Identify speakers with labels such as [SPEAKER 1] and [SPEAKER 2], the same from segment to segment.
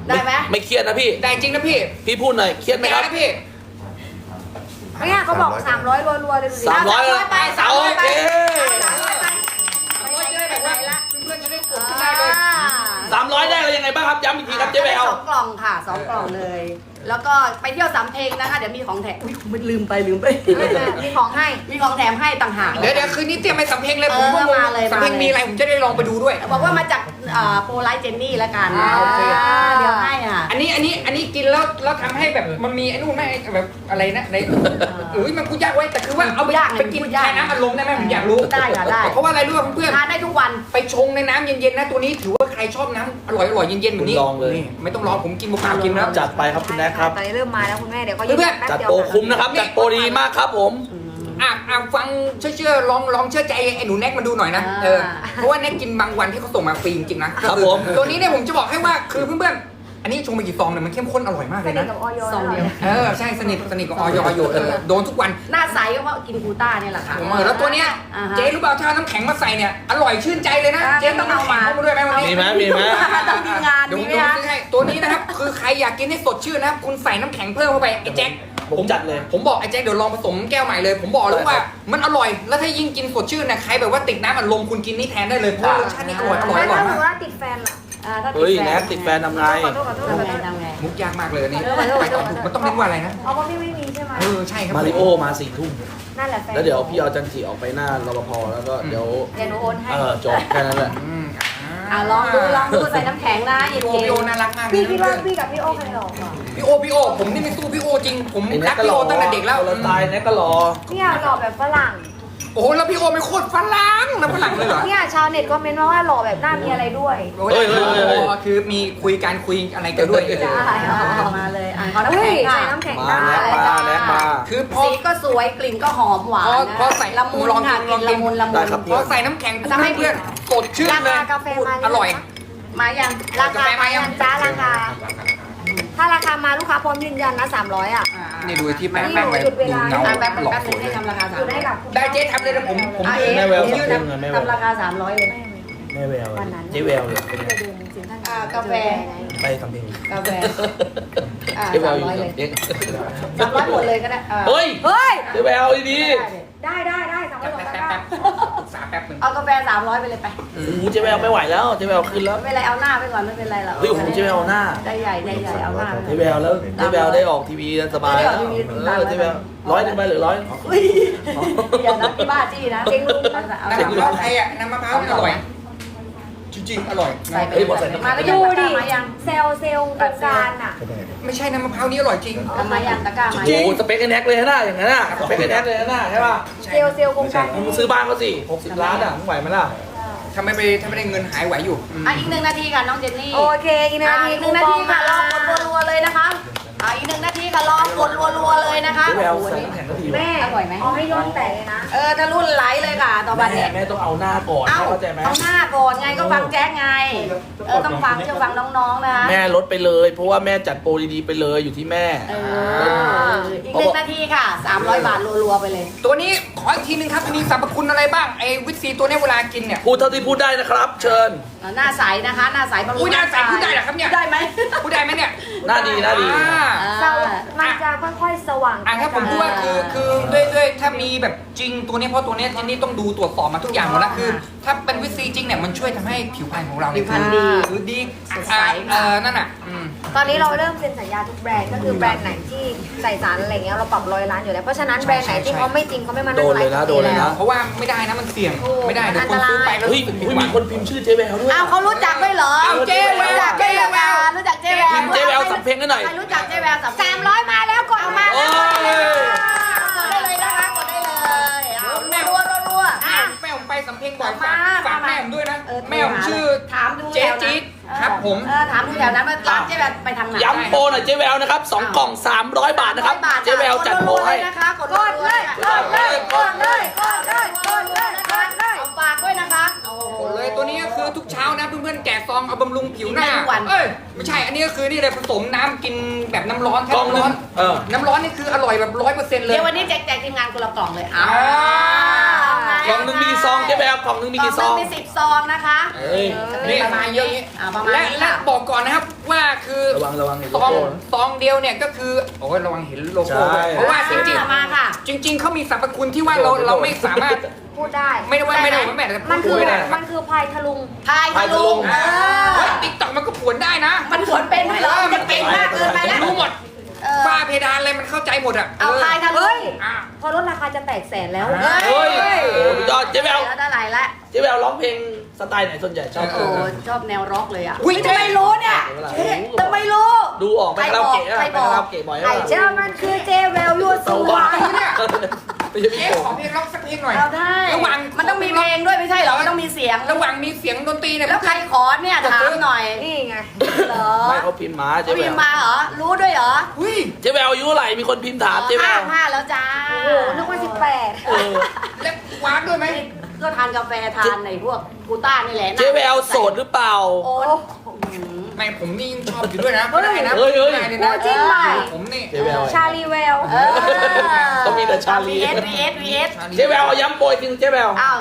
[SPEAKER 1] ได้ไหม
[SPEAKER 2] ไม่เครียดนะพี่
[SPEAKER 3] ได้จริงนะพี่
[SPEAKER 2] พี่พูดหน่อยเครียดไหมครับ
[SPEAKER 3] นะพี่
[SPEAKER 4] เนี่ยเขาบอก300รัวๆเลยดูสิ
[SPEAKER 2] 300
[SPEAKER 1] ไป
[SPEAKER 2] โอเค
[SPEAKER 3] 300จะได้แบบว่าเพื่อนๆจะได้กดขึ้นได้เลย
[SPEAKER 2] 300ได้เรายังไงบ้างครับย้ำอีกทีครับเจ๊แวว
[SPEAKER 1] สองกล่องค่ะ2 กล่องเลย แล้วก็ไปเที่ยวสำเพ็งนะคะเดี๋ยวมีของแถมอุ้ยไม่ลืมไป
[SPEAKER 4] มีของให้
[SPEAKER 1] มีของแถมให้ต่างหาก
[SPEAKER 3] เดี๋ยวคืนนี้เตรียมไปสำเพ็งเลยผม
[SPEAKER 1] มาเลย
[SPEAKER 3] สำเพ็งมีอะไรผมจะได้ลองไปดูด้วย
[SPEAKER 1] บอกว่ามาจากโปรไลท์เจนนี่แล้วกัน
[SPEAKER 3] โอเค
[SPEAKER 1] เดี๋ยวให้อ่ะ
[SPEAKER 3] อันนี้กินแล้วทำให้แบบมันมีไอ้นู่นไหมแบบอะไรนะในมันพูดยากไว้แต่คือว่าเอาไปกินแทนน้ำอัดลมได้ไหมผมอยากรู้
[SPEAKER 1] ได้ค่ะได้
[SPEAKER 3] เพราะว่าอะไรรู้ป่ะเพื่อน
[SPEAKER 1] ทานได้ทุกวัน
[SPEAKER 3] ไปชงในน้ำเย็นๆนะตัวนี้ถือว่าใครชอบน้ำอร่อยๆเย็นๆแบบนี้
[SPEAKER 2] คุณลองเลย
[SPEAKER 3] นี่ไม่ต้องรอผมกินเปล่าๆกินแล้ว
[SPEAKER 2] จัดไปครับคุณแน็กครับ
[SPEAKER 4] ตอนนี้เริ่มมาแล้วคุณแม่เดี๋ยวก็
[SPEAKER 3] เพื่อน
[SPEAKER 4] แป๊บ
[SPEAKER 2] จัด
[SPEAKER 4] เดียว
[SPEAKER 2] โปรคุ้มนะครับจัดโปรดีมากครับผม
[SPEAKER 3] ฟังเชื่อลองเชื่อใจไอ้หนูแน็กมาดูหน่อยนะเพราะว่าแน็กกินบางวันที่เขาส่งมาฟรีจริงๆนะครับ
[SPEAKER 2] ผม
[SPEAKER 3] ตัวนี้เนี่ยผมจะบอกให้ว่าคือเพื่อนๆอันนี้ชงไปกี่ซองเนี่ยมันเข้มข้นอร่อยมาก
[SPEAKER 4] ส
[SPEAKER 3] เลย
[SPEAKER 4] นิท
[SPEAKER 3] นะ
[SPEAKER 4] กับออย
[SPEAKER 1] ซองเดียว
[SPEAKER 3] ใช่สนิทกับออยอยู่โดนทุกวัน
[SPEAKER 1] หน้าใสก็เพราะกินกูต้าเนี่ยแหละค่ะ
[SPEAKER 3] แล้วตัวเนี้ย
[SPEAKER 1] อ่าฮะ
[SPEAKER 3] เจ๊รู้เปล่าถ้าน้ำแข็งมาใส่เนี่ยอร่อยชื่นใจเลยนะ
[SPEAKER 1] อ่า
[SPEAKER 3] เจ๊ต้องเอามาด้วยไหมวันนี้
[SPEAKER 2] มีไหมมีไหม
[SPEAKER 1] ต้องมีงาน
[SPEAKER 3] เดี๋ยวผ
[SPEAKER 1] มี
[SPEAKER 3] ม
[SPEAKER 1] ไหม
[SPEAKER 3] ดู
[SPEAKER 1] คะ
[SPEAKER 3] ซื้อให้ตัวนี้นะครับคือใครอยากกินให้สดชื่นนะครับคุณใส่น้ำแข็งเพิ่มเข้าไปไอ้แจ็ค
[SPEAKER 2] ผมจัดเลย
[SPEAKER 3] ผมบอกไอ้แจ็คเดี๋ยวลองผสมแก้วใหม่เลย ผมบอกเลยว่ามันอร่อยแล้วถ้ายิ่งกินสดชื่นนะใครแบบว่าติดน้ำอัดลมคุณกินนี่แทนได้เลยเพราะรสชาตินี่อร่อย
[SPEAKER 4] แล้วถ้าสม
[SPEAKER 3] มาม ก
[SPEAKER 4] ติว่าติดแฟนล่ะ
[SPEAKER 1] ถ้า
[SPEAKER 2] เฮ้ยแน็กติดแฟนทำไง
[SPEAKER 4] ขอโทษขอโทษขอโทษ
[SPEAKER 1] ทำไง
[SPEAKER 3] มุกยากมากเลยอันนี้
[SPEAKER 4] ขอโทษขอโทษ
[SPEAKER 3] มันต้องเรียกว่าอะไรนะ
[SPEAKER 4] เอาเพราะพี่ไม่มีใช่ไหม
[SPEAKER 3] ใช่ครับ
[SPEAKER 2] มาริโอมา4 ทุ่ม
[SPEAKER 4] นั่นแหละแฟน
[SPEAKER 2] แล้วเดี๋ยวพี่เอาจันจีออกไปหน้ารปภแล้วก็เดี๋ยว
[SPEAKER 4] เดี๋ยวหนูโอนให้
[SPEAKER 2] จบแค่นั้นแหละ
[SPEAKER 1] ลองดูใส่น้ำแข็งนะเย็
[SPEAKER 3] พี่โอน
[SPEAKER 1] ๆ
[SPEAKER 3] น่ารักมาก
[SPEAKER 4] พี่คิดว่าพี่กับพี่โอ้ใครหลอกอ่ะ
[SPEAKER 3] พี่โอผมนี่ไม่สู้พี่โอจริงผม
[SPEAKER 2] ไอ้แน็
[SPEAKER 3] รั
[SPEAKER 2] ก
[SPEAKER 3] ก
[SPEAKER 2] ก็
[SPEAKER 3] พี่
[SPEAKER 2] ร
[SPEAKER 3] โอ
[SPEAKER 2] อ
[SPEAKER 3] ตั้งแต่เด็กแล้ว
[SPEAKER 2] เราตายแน็กก็รอ
[SPEAKER 4] เนี่ยหล่อแบบฝรั่ง
[SPEAKER 3] โอ้โหแล้วพี่โอไม่โคตรฝรั่งนะฝรั่งเลยเหรอ
[SPEAKER 4] เนี่ยชาวเน็ตก็เมนว่าหล่อแบบหน้ามีอะไรด้วย
[SPEAKER 3] คือมีคุยอะไรกันด้วย
[SPEAKER 4] จ้า
[SPEAKER 1] มาเลยขอน้ำ
[SPEAKER 4] เฮ้
[SPEAKER 1] แข็
[SPEAKER 4] ย
[SPEAKER 1] งค่ะ
[SPEAKER 4] ใส่น้ำแข็ง
[SPEAKER 2] มา
[SPEAKER 4] ได้
[SPEAKER 2] แน็กมาแน็กมา
[SPEAKER 3] คือพอ
[SPEAKER 1] สีก็สวยกลิ่นก็หอมหวานนะ
[SPEAKER 3] พอใส่
[SPEAKER 1] ละมุนค่ะกลิ่นละมุน
[SPEAKER 2] ได้ครับ
[SPEAKER 3] พอใส่น้ำแข็งปุ๊บเพื่อนสดชื่น
[SPEAKER 4] รา
[SPEAKER 3] เลย
[SPEAKER 4] คากาแฟมา
[SPEAKER 3] อร่อย
[SPEAKER 1] มายัง
[SPEAKER 4] ราคามายังจ้าราคา ถ้าราคามาลูกค้าพร้อมยืนยันนะ300อ่ะ
[SPEAKER 3] นี่ดูที่แป้ง
[SPEAKER 4] นี่
[SPEAKER 3] แป้งเลย
[SPEAKER 4] หยุดเว
[SPEAKER 3] ดู
[SPEAKER 4] ลา
[SPEAKER 3] เงา
[SPEAKER 1] แป๊บ
[SPEAKER 3] หลอก
[SPEAKER 1] นึงให้ทำราคา
[SPEAKER 4] อยู่ได้กับ
[SPEAKER 3] ได้เจ๊ทำเลยนะผม
[SPEAKER 1] เอ๋
[SPEAKER 2] แม่แวว
[SPEAKER 1] ยืนทำราคา300เลย
[SPEAKER 2] แม่แววเจ๊แววเลย
[SPEAKER 4] ที่จะดูจริงๆท่าน
[SPEAKER 1] กาแฟ
[SPEAKER 2] ไปทำเพลง
[SPEAKER 1] กาแฟ
[SPEAKER 2] เจ๊แววอยู่
[SPEAKER 1] 300เลย
[SPEAKER 2] เด็ก
[SPEAKER 1] 300หมดเลยก็ได้
[SPEAKER 2] เฮ้ย
[SPEAKER 1] เฮ้ย
[SPEAKER 2] เจ๊แววดี
[SPEAKER 4] ได้300บอก
[SPEAKER 3] แป๊บ
[SPEAKER 4] ได้
[SPEAKER 3] แป๊บปรึกษาแป๊บนึง
[SPEAKER 1] เอากาแฟ300ไปเลยไป
[SPEAKER 2] โอ้โหเจ๊แววไม่ไหวแล้วเจ๊แววขึ้นแล้ว
[SPEAKER 1] ไม่เป็นไรเอาหน้าไปก่อนไม่เป็นไรหรอก
[SPEAKER 2] เฮ้ยโอ้โหเจ๊แววหน้า
[SPEAKER 1] ได้ใหญ่เอาหน้า
[SPEAKER 2] เจ๊แววแล้วเจ๊แววได้ออกทีวีสบายแล้ว
[SPEAKER 1] ได้ออกทีวี
[SPEAKER 2] เจ๊แวว100 ไปหรือ100
[SPEAKER 1] อุ้ยอย่านะที่บ้าจี้นะเก่งลุงเอา
[SPEAKER 3] น้ำมะพร้าวไทยอ่ะน้ำมะพร้าวนี่อร่อยจริงๆอร่อย
[SPEAKER 1] ใส่ไป
[SPEAKER 2] เฮ้ยบอกใส่น้ำ
[SPEAKER 1] มา
[SPEAKER 2] แข็ง
[SPEAKER 1] ก็
[SPEAKER 4] ดู
[SPEAKER 1] ยัง
[SPEAKER 4] ดิ
[SPEAKER 1] มายัง
[SPEAKER 4] เซลล์โครงการอ่ะ
[SPEAKER 3] ไม่ใช่น้ำมะพร้าวนี่อร่อยจริง
[SPEAKER 1] มายังตะกร้ามา
[SPEAKER 2] โอ้
[SPEAKER 1] ยัง
[SPEAKER 2] โหสเปคไอ้แน็กเลยนะอย่างนั้นน่ะสเปคไอ้แน็กเลยนะใช่ป่ะ
[SPEAKER 4] เซลล์โครงการ
[SPEAKER 2] มึงซื้อบ้านเขาสิ60 ล้านอ่ะมึงไหวไหมล่ะ
[SPEAKER 3] ถ้าไม่ได้เงินหายไหวอยู่
[SPEAKER 1] อีก1 นาทีค่ะน้องเจนนี่
[SPEAKER 4] โอเคอีก1 นาที
[SPEAKER 1] อีก1 นาทีค่ะรอกดรัวๆเลยนะคะอีก1 นาทีค่ะรอกดรัวๆเลยนะคะ
[SPEAKER 2] เจ๊แวว
[SPEAKER 1] โอ้โห
[SPEAKER 2] ใส่
[SPEAKER 1] นี่
[SPEAKER 2] น้ำแข็งก็ดี
[SPEAKER 4] แม่
[SPEAKER 1] อร่อยไหม
[SPEAKER 4] เอาให้ย้อนแตกเลยนะ
[SPEAKER 1] ถ้ารุ่นไหลเลยค่ะต่อไปเนี่ย
[SPEAKER 2] แม่ต้องเอาหน้าก่อน
[SPEAKER 1] เอา
[SPEAKER 2] เข้าใจไหม
[SPEAKER 1] เอาหน้าก่อนไงก็ฟังแจ๊กไงต้องฟังเชื่อฟังน้องๆนะคะ
[SPEAKER 2] แม่ลดไปเลย เพราะว่าแม่จัดโปรดีๆไปเลยอยู่ที่แม่
[SPEAKER 1] อีก1 นาทีค่ะ300 บาทรัวๆไปเลย
[SPEAKER 3] ตัวนี้ขออีกทีนึงครับมีสรรพคุณอะไรบ้างไอ้วิตซีตัวนี้เวลากินเนี่ย
[SPEAKER 2] พูดเท่าที่พูดได้นะครับ เชิญ
[SPEAKER 1] หน้าใสนะคะหน้าใสบำรุง
[SPEAKER 3] อุ้ยหน้าใสพูดได้เหรอครับเนี่ย
[SPEAKER 1] ได้ไหม
[SPEAKER 3] พูดได้ไหมเนี่ย
[SPEAKER 2] หน้าดีหน้าดี
[SPEAKER 4] สว่างมันจะค่อยๆสว่าง
[SPEAKER 3] ถ้าผมพูดว่าคือด้วยถ้ามีแบบจริงตัวนี้เพราะตัวนี้ที่นี่ต้องดูตรวจสอบมาทุกอย่างหมดแล้วคือ ถ้าเป็นวิตซีจริงเนี่ยมันช่วยทำให้ผิวพรรณของเราเนี่ยคือดีนั่นน่ะ
[SPEAKER 4] ตอนนี้เราเริ่มเซ็นสัญญาทุกแบรนด์ก็คือแบรนด์ไหนที่ใส่สารอะไรเงี้ยเราปรับ100 ล้านอยู่แล้วเพราะฉะนั้นแบรนด์ไหนที่เขาไม่จริงเขาไม่มานั่งไลฟ์
[SPEAKER 2] โดนเลยนะ
[SPEAKER 3] เพราะว่าไม่ได้นะมันเสี่ยงไม่ได้เดี๋ยวคนซื้อไปแล้ว
[SPEAKER 2] เฮ้ยมีคนพิมพ์ชื่อเจ๊แววด้วย
[SPEAKER 1] อ้าวเขารู้จักด้วยเหรอ
[SPEAKER 3] เจ๊แวว
[SPEAKER 1] รู้จักเจ๊แววรู้จักเจ๊แวว
[SPEAKER 2] พิมพ์เจ๊แววสำเพ็งกันหน่อย
[SPEAKER 1] ใครรู้จักเจ๊แววสำเพ็ง
[SPEAKER 4] 300มาแล้วกดมา
[SPEAKER 2] โอ้
[SPEAKER 4] แล้ว
[SPEAKER 2] ย
[SPEAKER 1] กดได้เลยนะคะกดได้เลยรัว
[SPEAKER 3] แม่ผมไปสำเพ็งบ่อยฝากแม่ผมด้วยนะแม่ผมชื่อ
[SPEAKER 1] ถามดู
[SPEAKER 3] เจ๊จี๊ดครับผม
[SPEAKER 1] ถามดูแถวนั้นว่าร้านเจ๊แววไปทางไหน
[SPEAKER 2] ย้ำโปรหน่อยเจ๊แววนะครับ2 กล่อง 300 บาทนะครับ เจ๊แววจัดโปรให้
[SPEAKER 1] นะคะกดเลยเอาฝากด้วยนะคะโอ้โห
[SPEAKER 3] หมดเลยตัวนี้ก็คือทุกเช้านะเพื่อนๆแกะซองเอาบำรุงผิวหน้า
[SPEAKER 1] กินได้ทุกวัน
[SPEAKER 3] เอ้ยไม่ใช่อันนี้ก็คือนี่เลยผสมน้ำกินแบบน้ำร้อนแค่
[SPEAKER 2] กล่อง
[SPEAKER 3] น้ำ
[SPEAKER 2] นึ
[SPEAKER 3] ร้อน
[SPEAKER 2] ง
[SPEAKER 3] น้ำร้อนนี่คืออร่อยแบบ100%เลย
[SPEAKER 1] เดี๋ยววันนี้แจกทีมงานคนละกล่องเลย
[SPEAKER 2] กล่องนึงมีกี่ซองเจ๊แววกล่องนึงมีกี่ซอง
[SPEAKER 1] มี10 ซองนะคะ
[SPEAKER 2] เฮ้ย
[SPEAKER 3] นี่
[SPEAKER 1] ประมาณ
[SPEAKER 3] เยอะ
[SPEAKER 1] ประมาณนี้
[SPEAKER 3] และบอกก่อนนะครับว่าคือ
[SPEAKER 2] ระวังเห็นโล
[SPEAKER 3] ซอง
[SPEAKER 2] โก้
[SPEAKER 3] ซองเดียวเนี่ยก็คือโอ้ยระวังเห็นโลโก้
[SPEAKER 2] ใช่
[SPEAKER 3] เพราะว่าจริง
[SPEAKER 1] มาค่ะ
[SPEAKER 3] ๆจริง ๆเขามีสรรพคุณที่ว่าเราไม่สามารถ
[SPEAKER 4] พูดได้
[SPEAKER 3] ไม่ได้ว่าไม่ได้ว่าแม่แต่
[SPEAKER 4] มัน
[SPEAKER 3] พู
[SPEAKER 4] คื
[SPEAKER 3] ด
[SPEAKER 4] อ
[SPEAKER 3] ไม่ได้นะครับ
[SPEAKER 4] มันคือพายทะลุง
[SPEAKER 1] พายทะลุง
[SPEAKER 3] ติ๊กต็อกมันก็ผวนได้นะ
[SPEAKER 1] มันผวนเป็นด้วยเหรอมันเป็นมากเกินไปแล้ว
[SPEAKER 3] รู้หมด
[SPEAKER 1] เออ
[SPEAKER 3] ฝ้าเพดานอะไรมันเข้าใจหมดอ่ะ
[SPEAKER 1] เอาพายทะลุง
[SPEAKER 3] อ่ะ
[SPEAKER 4] พอลดราคาจะแตกแสนแล้ว
[SPEAKER 2] เฮ้ยโอ้โหยอดเจ๊แวว
[SPEAKER 1] แล้วได้หลายละ
[SPEAKER 2] เจ๊แววร้องเพลงสไตล์ไหนส่วนใหญ่ชอบ
[SPEAKER 1] โอ้ชอบแนวร็อกเลยอ่ะ
[SPEAKER 3] อุ๊ย
[SPEAKER 1] ทำไมรู้เนี่ยทำไมรู้
[SPEAKER 2] ดูออกไปคาราโอเกะอะ
[SPEAKER 1] ใคร
[SPEAKER 2] ไป
[SPEAKER 1] บอก
[SPEAKER 2] คาราโอเกะบ่อย
[SPEAKER 4] ไอ้
[SPEAKER 2] อะ
[SPEAKER 4] เจ้ามันคือเจเวลยูสู
[SPEAKER 2] บ้า
[SPEAKER 4] วาย
[SPEAKER 3] เนี่ย
[SPEAKER 2] ไม่ใช่พี่
[SPEAKER 3] เจ๊
[SPEAKER 2] โก
[SPEAKER 3] ขอเพลงร็อกสักเพลงหน่อย
[SPEAKER 1] เอาได้
[SPEAKER 3] ระหว่าง
[SPEAKER 1] มันต้องมีเพลงด้วยไม่ใช่เหรอมันต้องมีเสียง
[SPEAKER 3] ระหว่างมีเสียงดนตรีเนี่ย
[SPEAKER 1] แล้วใครขอเนี่ยถามหน่อย
[SPEAKER 4] นี่ไง
[SPEAKER 1] เหรอ
[SPEAKER 2] ไม่เขาพิมพ์มาเจ๊
[SPEAKER 1] เขา
[SPEAKER 2] แว
[SPEAKER 1] พิม
[SPEAKER 2] ว
[SPEAKER 1] พ์มาเหรอรู้ด้วยเหรอ
[SPEAKER 3] อุ้ย
[SPEAKER 2] เจ๊แววอายุเท่าไหร่มีคนพิมพ์ถามเจ๊แวว
[SPEAKER 1] ห้าแล้วจ้า
[SPEAKER 4] โอ้โหนึกว่า18
[SPEAKER 2] เออ
[SPEAKER 3] แล้ววากด้วยไหม
[SPEAKER 1] ก็ทานกาแฟทานในพวกกูต้านี่แหละ
[SPEAKER 2] เจ๊แววโสดหรือเปล่า
[SPEAKER 1] โอ้
[SPEAKER 3] ไม่ผมนี่ยังชอบอยู่ด้วยนะไม่ได้นะ
[SPEAKER 2] เฮ้ย
[SPEAKER 3] ไม่ได้เลย
[SPEAKER 4] พู
[SPEAKER 3] นะ
[SPEAKER 4] ดจริงไหม
[SPEAKER 3] ผมนี่
[SPEAKER 2] เจ๊แวว
[SPEAKER 4] ชาลีแวว
[SPEAKER 2] ต้องมีแต่ชาลี
[SPEAKER 1] VS
[SPEAKER 2] เจ๊แววเอาย้ำโปรยจริงเจ๊แวว
[SPEAKER 1] อ้าว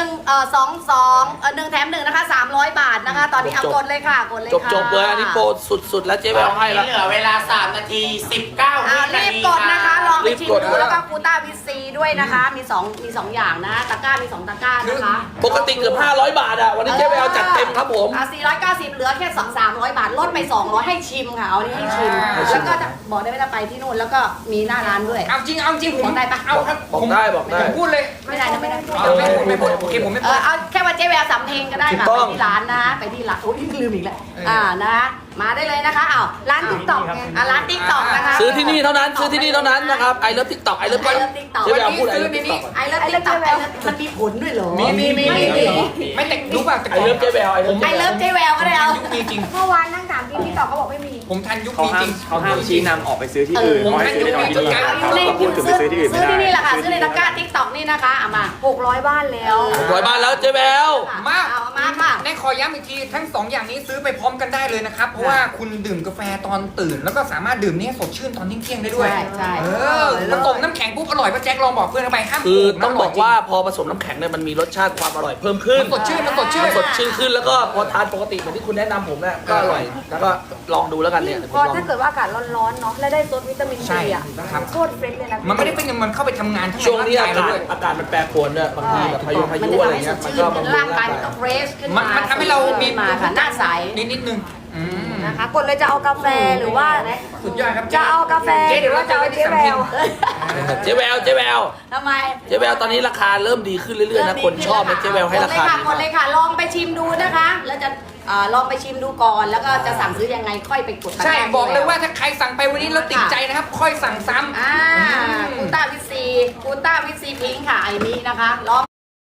[SPEAKER 1] 1 แถม 1นะคะ300 บาทนะคะ ตอนนี้เอากดเลยค่ะกดเลยค่ะ
[SPEAKER 2] จบเลยอันนี้โปรสุดๆแล้วเจ๊แววให้ละ
[SPEAKER 5] เหลือเวลา 3 นาที 19
[SPEAKER 1] อ้าว
[SPEAKER 5] วินา
[SPEAKER 1] รีบ
[SPEAKER 5] ที
[SPEAKER 1] กดนะคะลองไปชิม
[SPEAKER 2] รีบกด
[SPEAKER 1] ดูแล้วก็กูต้าวิซีด้วยนะคะ มีสองอย่างนะตะกร้ามี2ตะกร้านะคะ
[SPEAKER 2] ปกติเกือบ500 บาทอ่ะวันนี้เจ๊แววจัดเต็มครับผม
[SPEAKER 1] 490เหลือแค่300 บาทลดไป200ให้ชิมค่ะเอานี่ให้ชิม แล้วก็จะบอกได้ไหมถ้าไปที่นู่นแล้วก็มีหน้าร้านด้วย
[SPEAKER 3] เอาจริงผม
[SPEAKER 1] บอกได้ปะ
[SPEAKER 3] เอาครับ
[SPEAKER 2] บอกได้บอกได้
[SPEAKER 3] ผมพูดเลย
[SPEAKER 1] ไม่ได้นะไม่ได้
[SPEAKER 3] เอาไม่พูดโอเคผมไม่
[SPEAKER 1] เอ
[SPEAKER 3] พูด
[SPEAKER 1] อเอาแค่ว่าเจ๊แววสำเพ็งก็ได้ค่ะ
[SPEAKER 2] ถูกต้
[SPEAKER 1] ไป
[SPEAKER 2] อง
[SPEAKER 1] ที่ร้านนะไปที่ร้านโอ้ยลืมอีกแล้ว
[SPEAKER 3] เออ
[SPEAKER 1] นะมาได้เลยนะคะอ้าว
[SPEAKER 4] ร้านติ๊กต็อกไง
[SPEAKER 1] ร้านติ๊กต็อกนะคะ
[SPEAKER 2] ซื้อที่นี่เท่านั้นซื้อที่นี่เท่านั้นนะครับไอเลิฟทิกตอกไอเลิฟ
[SPEAKER 1] I love TikTok
[SPEAKER 2] เจ๊แววพูดไอเลิฟทิกตอก
[SPEAKER 1] ไอเลิฟติ๊กต็อกมันมีผลด้วยเหรอ
[SPEAKER 3] มีไม่แต่รู้ป่ะแต่
[SPEAKER 2] ไอเลิฟเจ๊แววไอเลิฟ
[SPEAKER 1] ไอเลิฟเจ๊แววก็ได้เอา
[SPEAKER 3] ยุคมีจริง
[SPEAKER 4] เมื่อวานนั่งถามพี่ติ๊กต็อกเขาบอกไม่มี
[SPEAKER 3] ผมทันยุค
[SPEAKER 6] เขา
[SPEAKER 3] มี
[SPEAKER 6] ห้า
[SPEAKER 3] จ
[SPEAKER 6] ม
[SPEAKER 3] ริง
[SPEAKER 6] เขาห้ามชี้นำออกไปซื้อที่อื่น
[SPEAKER 3] ผม
[SPEAKER 6] เขาให้ซื้อในท้องที่
[SPEAKER 3] ให้
[SPEAKER 6] นี่
[SPEAKER 3] ดู
[SPEAKER 6] เขาก็พูดถึงไปซื้อที่อื่นไม่
[SPEAKER 1] ซื้อ
[SPEAKER 6] ได้
[SPEAKER 1] ที่นี่แหละค่ะซื้อในตะกร้าติ๊กต็อกนี่นะคะเอามา
[SPEAKER 4] 600 บ้านแล้ว
[SPEAKER 2] 600 บาทแล้วเจ๊แวว
[SPEAKER 3] มา
[SPEAKER 1] เอามาค่ะ
[SPEAKER 3] ในขอย้ำอีกทีทั้งสองอย่างนี้ซื้อไปพร้อมกันได้เลยนะครับ เพราะว่าคุณดื่มกาแฟตอนตื่น แล้วก็สามารถดื่มนี่ให้สดชื่นตอนเที่ยงๆได้ด้วย
[SPEAKER 1] ใช่
[SPEAKER 3] เออผสมน้ำแข็งปุ๊บอร่อยป้าแจ็คลองบอกเพื่อนเข้าไปห้าม
[SPEAKER 2] คือ
[SPEAKER 3] โกง
[SPEAKER 2] ต้อง
[SPEAKER 3] นะ
[SPEAKER 2] บอกว่าพอผสมน้ำแข็งเนี่ยมันมีรสชาติความอร่อยเพิ่มขึ้น
[SPEAKER 3] มันสดชื่นมันสดชื่น
[SPEAKER 2] มันสดชื่นขึ้นแล้วก็พอทานปกติเหมือนที่คุณแนะนำผมเนี่ยก็อร่อยแล้วก็ลองดูแล้วกันเนี่ยผม
[SPEAKER 4] ก็
[SPEAKER 2] ลอง
[SPEAKER 4] ถ้าเกิดว่าอากาศร้อนๆเนาะแล้วได้ซดวิตามิน
[SPEAKER 3] ใช่
[SPEAKER 4] ซีอ่ะ
[SPEAKER 3] ครับ
[SPEAKER 4] โคตรเฟรชเลยนะ
[SPEAKER 3] มันไม่ได้เป็นมันเข้าไปทำงานทั้ง
[SPEAKER 2] ช่วงนี้
[SPEAKER 3] ร่
[SPEAKER 2] อาง
[SPEAKER 3] เรา
[SPEAKER 2] กาศ
[SPEAKER 3] ด้วย
[SPEAKER 2] อากาศมันแปรปรวนเนี่ยบางทีแบบพายุ
[SPEAKER 1] มัน
[SPEAKER 2] อะไร
[SPEAKER 1] จะทำให้ส
[SPEAKER 2] เงี้
[SPEAKER 1] ด
[SPEAKER 2] ยมัน
[SPEAKER 1] ชื่น
[SPEAKER 2] ก็บำรุ
[SPEAKER 1] ร่าง
[SPEAKER 2] ง
[SPEAKER 1] กา
[SPEAKER 2] ร่าย ง
[SPEAKER 1] มันก็
[SPEAKER 2] กาย
[SPEAKER 1] เฟรชขึ้น
[SPEAKER 3] มันทำให้เรามี
[SPEAKER 1] มาค่ะหน้าใส
[SPEAKER 3] นิดนึงอืม
[SPEAKER 4] นะคะกดเลยจะเอากาแฟหรือว่า
[SPEAKER 3] สุดยอดครับ
[SPEAKER 4] จะเอากาแฟ
[SPEAKER 3] เจ๊
[SPEAKER 4] ห
[SPEAKER 3] เดี๋
[SPEAKER 4] รื
[SPEAKER 3] ยว
[SPEAKER 4] อว่า
[SPEAKER 3] เรา
[SPEAKER 4] จะ
[SPEAKER 3] จะ
[SPEAKER 4] เอา
[SPEAKER 3] ไว้ที่
[SPEAKER 4] เจ๊แว
[SPEAKER 3] สำเพ็ง
[SPEAKER 4] ว
[SPEAKER 2] เจ๊แวว
[SPEAKER 1] ทำไม
[SPEAKER 2] เจ๊แววตอนนี้ราคาเริ่มดีขึ้นเรื่อยๆนะคนชอบนะเจ๊แววให้ราคาดี
[SPEAKER 1] ก
[SPEAKER 2] มา
[SPEAKER 1] ดเลย
[SPEAKER 2] ก
[SPEAKER 1] ค่ะลองไปชิมดูนะคะ แล้วจะลองไปชิมดูก่อนแล้วก็จะสั่งซื้อยังไงค่อยไปกดตะกร้า
[SPEAKER 3] ใช่บอกเลยว่าถ้าใครสั่งไปวันนี้แล้วติดใจนะครับ ค่อยสั่งซ้ำ
[SPEAKER 1] กูต้าวิซีพิงค์ค่ะไอ้นี้นะคะลอง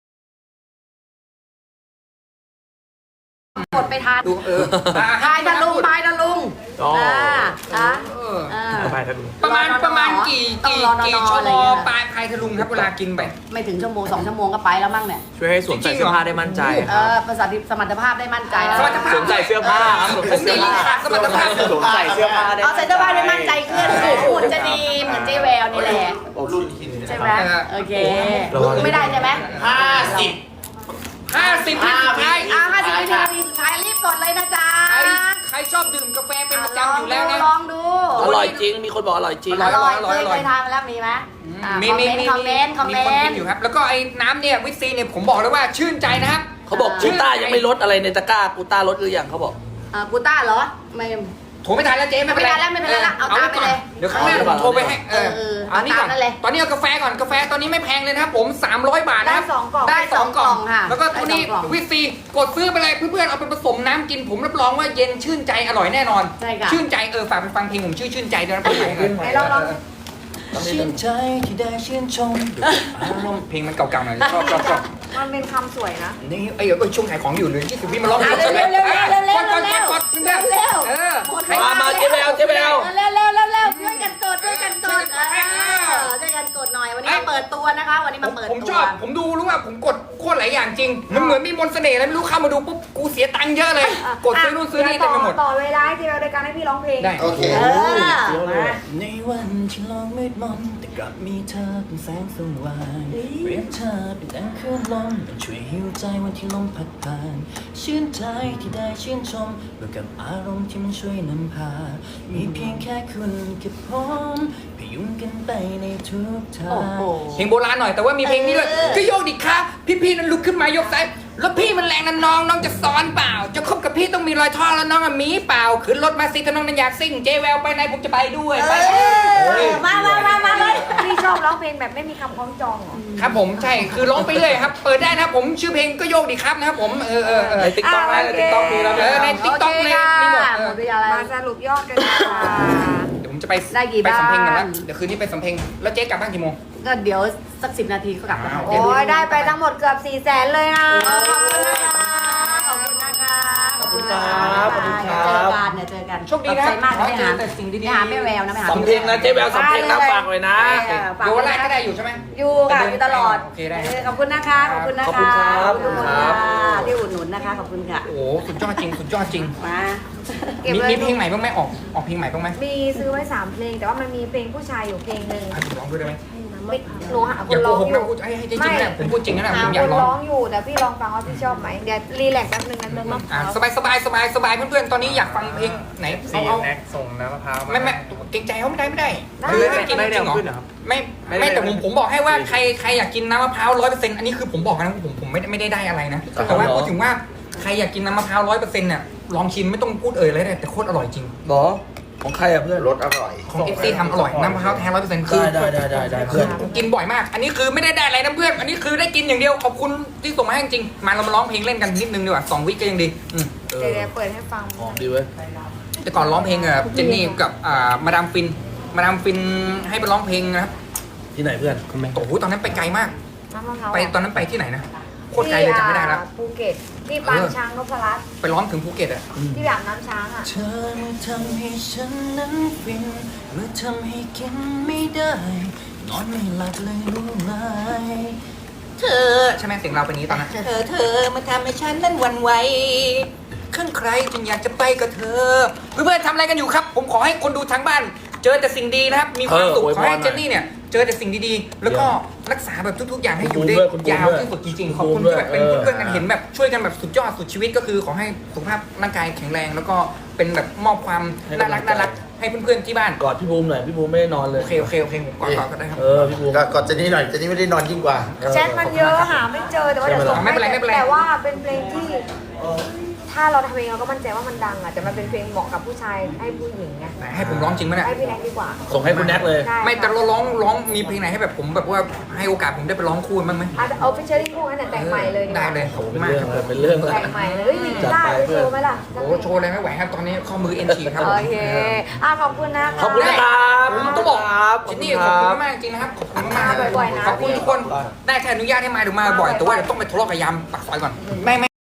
[SPEAKER 1] กดไปทาน
[SPEAKER 3] ดู
[SPEAKER 1] พายทะลุง
[SPEAKER 2] อ๋อ
[SPEAKER 6] ไปทะลุ
[SPEAKER 3] ประมาณกี่ชั่วโมงปลายพายทะลุงครับเวลากินไป
[SPEAKER 1] ไม่ถึงชั่วโมง2 ชั่วโมงก็ไปแล้วมั้งเนี่ย
[SPEAKER 6] ช่วยให้สวมใส่เสื้อผ้าได้มั่นใจครับ
[SPEAKER 1] ภาษาสมรรถภาพได้มั่นใจนะ
[SPEAKER 3] สมรรถภาพ
[SPEAKER 6] สวมใส่เสื้อผ้าครับสวมใส่เสื้อผ้า
[SPEAKER 3] สมรรถภาพ
[SPEAKER 6] สวมใส่เสื้อผ้าได้
[SPEAKER 1] เอาใส่เสื้อผ้าได้มั่นใจขึ้นหุ่นจะดีเหมือนเจ๊แววนี่แหละใช่ไหมโอเคไม่ได้ใช่ไหม
[SPEAKER 5] 50
[SPEAKER 3] 50วิสุดท้าย
[SPEAKER 1] 50 วินาทีสุดท้ายรีบกดเลยนะจ๊ะ
[SPEAKER 3] ใครชอบดื่มกาแฟเป็นประจำอยู่แล้วนะ
[SPEAKER 1] ลองดู
[SPEAKER 2] อร่อยจริงมีคนบอกอร่อยจริง
[SPEAKER 3] อร่อย
[SPEAKER 1] เคยทานมาแล้วมีไหม
[SPEAKER 3] มี
[SPEAKER 1] คอมเมนต์
[SPEAKER 3] คนกินอยู่ครับ แล้วก็ไอ้น้ำเนี่ยวิตซีเนี่ยผมบอกเลยว่าชื่นใจนะครับ
[SPEAKER 2] เขาบอกกูต้ายังไม่ลดอะไรในตะกร้ากูต้าลดหรือยังเขาบอก
[SPEAKER 1] กูต้าเหรอไม่
[SPEAKER 3] โทรไม่ทันแล้วเจ๊ไม่เป็นไร
[SPEAKER 1] ไม่เป็นไรละเอาตามไปเลย
[SPEAKER 3] เดี๋ยวครั้งหน้าผมโทรไปให้อันนี้ก่อน
[SPEAKER 1] เอาตามนั่นเลย
[SPEAKER 3] ตอนนี้เอากาแฟก่อนกาแฟตอนนี้ไม่แพงเลยนะครับผม300 บาทนะครับ
[SPEAKER 4] ได้2 กล่อง
[SPEAKER 1] ได้สองกล่องค่ะ
[SPEAKER 3] แล้วก็ตัวนี้
[SPEAKER 1] ได้สองกล่อง
[SPEAKER 3] วิตซีกดซื้อไปเลยเพื่อนๆเอาไปผสมน้ำกินผมรับรองว่าเย็นชื่นใจอร่อยแน่นอน
[SPEAKER 1] ใช่ค่ะ
[SPEAKER 3] ชื่นใจฝากไปฟังเพลงผมชื่นใจด้วยนะเพลง
[SPEAKER 4] ไหนลอง
[SPEAKER 3] ชื่นใจที่ได้ชื่นชมเพลงมันเก่าๆหน่อยชอบ
[SPEAKER 4] มันเป็นคำสวยนะ
[SPEAKER 3] นี่ช่วงขายของอยู่เลย20 วิมาร้อง
[SPEAKER 1] เร็ว
[SPEAKER 3] กด
[SPEAKER 1] เร็วเร็วเร็วเร็วเร็ว
[SPEAKER 3] กดเพื่อนๆ
[SPEAKER 2] มาเจ๊แวว
[SPEAKER 1] เร็วช่วยกันกดช่วยกันกดช่วยกันกดหน่อยวันนี้เปิดตัวนะคะว่าวันนี้มาเปิด
[SPEAKER 3] ผม
[SPEAKER 1] ตั
[SPEAKER 3] ช
[SPEAKER 1] ว
[SPEAKER 3] อบผมดูรู้ว่าผมกดโคตรหลายอย่างจริง มันเหมือนมีมนต์เสน่ห์อะไรไม่รู้เข้ามาดูปุ๊บกูเสียตังค์เยอะเลย กดซื้อนู่นซื้อนี่เต็มไปหมด
[SPEAKER 4] ต่อเวลาที่เราในการให้พี่ร้องเพลง
[SPEAKER 3] ได้
[SPEAKER 5] โอเค
[SPEAKER 1] มา
[SPEAKER 7] ในวันที่โลกมืดมนแต่กลับมีเธอเป็นแสงสว่างเปรียบเธอเป็นดังคลื่นลมมันช่วยหิวใจวันที่ลมพัดผ่านชื่นใจที่ได้ชื่นชมบวกกับอารมณ์ที่มันช่วยนำพา มีเพียงแค่คุณกับผมพยุงกันไปในทุกทา
[SPEAKER 1] โอ้โห
[SPEAKER 7] ง
[SPEAKER 3] เพลงโบราณหน่อยแต่ว่ามีเพลงนี้ด้วยก็โยกดิครับพี่ๆนั้นลุกขึ้นมายกซ้ายแล้วพี่มันแรงนะน้องจะซ้อนเปล่า จะคบกับพี่ต้องมีรอยท่อแล้วน้องอะมีเปล่าขึ้นรถมาสิถ้าน้องนั้นอยากซิ่งเจแววไปไหนผมจะไปด้วยไป
[SPEAKER 1] มาเลย
[SPEAKER 4] พี่ชอบร้องเพลงแบบไม่มีคำคล้องจองเหรอ
[SPEAKER 3] ครับผมใช่คือร้องไปเรื่อยครับเปิดได้นะครับผมชื่อเพลงก็โยกดิครับนะครับผม
[SPEAKER 2] ในติ๊กต็อกนะในติ๊กต็อกมีแล้ว
[SPEAKER 3] ในติ๊กต็อกในมีหมด
[SPEAKER 1] หมดเวลาแล้ว
[SPEAKER 4] มาสรุปยอดกันนะคะ
[SPEAKER 3] เดี๋ยวผมจะไป
[SPEAKER 1] ได้กี่
[SPEAKER 3] ไปสำเพ็งกัน
[SPEAKER 1] บ้า
[SPEAKER 3] ละ
[SPEAKER 1] น
[SPEAKER 3] เดี๋ยวคืนนี้ไปสำเพ็งแล้วเจ๊กลับบ้านกี่โมง
[SPEAKER 1] ก็เดี๋ยวสัก10 นาทีก็กลับแล้ว
[SPEAKER 3] อ้าว
[SPEAKER 4] โอ้ยได้ไปทั้งหมดเกือบ400,000เลยนะ
[SPEAKER 1] ขอบคุณนะคะ
[SPEAKER 2] ขอบคุณครับขอบคุณครับ
[SPEAKER 1] เจอกัน
[SPEAKER 3] โชคดีนะ
[SPEAKER 1] ขอบใจมาก
[SPEAKER 3] ขอ
[SPEAKER 1] ไป
[SPEAKER 3] เจ
[SPEAKER 1] หา
[SPEAKER 3] อแต่สิ่งดีๆ
[SPEAKER 1] ไปหาแม่แววนะไปหา
[SPEAKER 2] สำเพ็งนะเจ๊แววสำเพ็งนะฝากเลยนะ
[SPEAKER 1] ฝาก
[SPEAKER 3] โย
[SPEAKER 1] ไว้
[SPEAKER 3] แร
[SPEAKER 1] นะ
[SPEAKER 3] กก็ได้อยู่ใช่ไหม
[SPEAKER 4] อยู่ค่ะอยู่ตลอด
[SPEAKER 3] โอเคได้
[SPEAKER 4] ขอบคุณนะคะขอบคุณนะคะ
[SPEAKER 2] ขอบคุณครับ
[SPEAKER 4] ขอบคุณค่ะ
[SPEAKER 1] ที่อุดหนุนนะคะขอบคุณค่ะ
[SPEAKER 3] โอ้โหสุดยอดจริงสุดยอดจริง
[SPEAKER 1] มา
[SPEAKER 4] เก็บ
[SPEAKER 3] มี
[SPEAKER 4] ไว้
[SPEAKER 3] มีเพลงใหม่บ้างไหมออกเพลงใหม่บ้างไหม
[SPEAKER 4] มีซื้อไว้3เพลง แต่ว่ามันมีเพลงผู้ชายอยู่เพลงหนึ่ง
[SPEAKER 3] อ่ะร้องด้วยได้ไหม
[SPEAKER 4] ไม่หนูหาค
[SPEAKER 3] อย่าน โก
[SPEAKER 4] ร้อง
[SPEAKER 3] หก
[SPEAKER 4] อ
[SPEAKER 3] นะ
[SPEAKER 4] ยู่
[SPEAKER 3] พูดให้จริงๆนะผมพูดจริงนะผมอ
[SPEAKER 4] ค
[SPEAKER 3] ยาก
[SPEAKER 4] น
[SPEAKER 3] ร้อง
[SPEAKER 4] ร้องอยู่แต่พี่ลองฟังว่าพี่ชอบไหมเดี๋ยวรีแลกซ์แป๊บนึงนะเนาะ
[SPEAKER 3] สบายเพื่อนๆตอนนี้อยากฟังเพลงไหนเอา
[SPEAKER 6] แน็กส่งน้ำมะพร้าวมา
[SPEAKER 3] ไม่เกรงใจเขาไม่ได้คือให้กินจริงเหรอไม่แต่ผมบอกให้ว่าใครอยากกินน้ำมะพร้าว100%อันนี้คือผมบอกนะผมไม่ได้อะไรนะแต่ว่าพูดถึงว่าใครอยากกินน้ำมะพร้าว100%เนี่ยลองชิมไม่ต้องพูดเลยเลยแต่โคตรอร่อยจริง
[SPEAKER 2] หรอของใครอ่ะเพื่อน
[SPEAKER 5] รสอร่อย
[SPEAKER 3] ของ FC ทำอร่อยน้ำมะพร้าวแท้100%คือ
[SPEAKER 2] ได้เพื่อน
[SPEAKER 3] กินบ่อยมาก อันนี้คือไม่ได้อะไรนะเพื่อน อันนี้คือได้กินอย่างเดียวขอบคุณที่ส่งมาให้จริงๆมาเรามาร้องเพลงเล่นกันนิดนึงดีกว่า2 วิก็ยังดี
[SPEAKER 4] เดี๋ยวเปิดให้ฟัง
[SPEAKER 2] หอมดีเว้ย
[SPEAKER 3] แต่ก่อนร้องเพลงกับเจนนี่กับมาดามฟินให้ไปร้องเพลงนะครับ
[SPEAKER 2] ที่ไหนเพื่อน
[SPEAKER 3] โอ้โหตอนนั้นไปไกลมาก
[SPEAKER 4] น้ำมะพร้าว
[SPEAKER 3] ไปตอนนั้นไปที่ไหนนะโคตรไกลเลยจำไม่ได้แล้ว
[SPEAKER 4] ภูเก็ตที่ปางช้างนพรัตน์
[SPEAKER 3] ไปร้องถึงภูเก็ตอะ
[SPEAKER 4] ที่แบบน้ำช้างอ่ะ
[SPEAKER 7] เธอทำให้ฉันนั้นฟินเมื่อทำให้กินไม่ได้นอนไม่หลับเลยรู้ไหม
[SPEAKER 3] เธอใช่ไหมเสียงเราเป็นอย่างนี้ตอนนั้นเธอมาทำให้ฉันนั้นหวันไหวขึ้นใครจึงอยากจะไปกับเธอเพื่อนๆทำอะไรกันอยู่ครับ ผมขอให้คนดูทางบ้าน เจอแต่สิ่งดีนะครับ มีความสุขขอให้เจนนี่เนี่ยเจอแต่สิ่งดีๆ แล้วก็รักษาแบบทุกๆอย่างให้อยู่ได้ยาวที่สุดจริงๆขอบคุณที่แบบเป็นเพื่อนๆกันเห็นแบบช่วยกันแบบสุดยอดสุดชีวิตก็คือขอให้สุขภาพร่างกายแข็งแรง แล้วก็เป็นแบบมอบความน่ารักให้เพื่อนๆที่บ้าน
[SPEAKER 2] กอดพี่บูมหน่อยพี่บูมไม่ได้นอนเลย
[SPEAKER 3] โอเคผมก่อนก็ได้ครับ
[SPEAKER 2] พี่บูม
[SPEAKER 5] ก็เจนนี่หน่อยเจนนี่ไม่ได้นอนยิ่งกว่า
[SPEAKER 4] แชทมันเยอะหาไม่เจอแต่ว่าเดี๋ยวส่ง
[SPEAKER 3] ไม่เป็นไร
[SPEAKER 4] แต่ว่าเป็นเพลงที่ถ้าเราทำเองเราก็มั่นใจว่ามันดังอ่ะแต่มันเป็นเพลงเหมาะกับผู้ชายให้ผู้หญิงไง
[SPEAKER 3] ให้ผมร้องจริงไหมเนี่ย
[SPEAKER 4] ให้พี่แน็กดีกว่า
[SPEAKER 2] ส่งให้คุณแน็กเลย
[SPEAKER 4] ได้
[SPEAKER 3] ไม่แต่เราร้องมีเพลงไหนให้แบบผมแบบว่าให้โอกาสผมได้ไปร้องคู่บ้างไหม
[SPEAKER 4] อาจจะเอาฟิชเชอร์ริ่งคู่นั้นแต่แต่งใหม่เลยดีก
[SPEAKER 3] ได้
[SPEAKER 4] ว่า
[SPEAKER 3] เลยขอบคุณ
[SPEAKER 2] เป็น
[SPEAKER 3] มาก
[SPEAKER 2] เรื่อง
[SPEAKER 3] ครับ
[SPEAKER 2] เป็นเรื่อง
[SPEAKER 4] แต่งใหม่เลยเฮ้ยมีกีตาร์ด้วยโชว์ไหมล่ะ
[SPEAKER 3] โอ้โชว์อะไรไม่ไหวครับตอนนี้ข้อมือเอ็นฉีกครับ
[SPEAKER 4] โอเคขอบคุณนะคะ
[SPEAKER 2] ขอบคุณนะครับ
[SPEAKER 3] ผมต้องบอก
[SPEAKER 2] ครับ
[SPEAKER 3] จินนี่ขอบคุณมากจริงนะครับขอบคุณมาก
[SPEAKER 4] มาบ่อยๆนะ
[SPEAKER 3] ขอบคุณทุกคนได้แค่อนุญาตให้มาเดี๋ยวมาบ่อยแต่ว่าเดี๋ยวต้องไปทะเลาะกับยามปากซอยก่อนไม่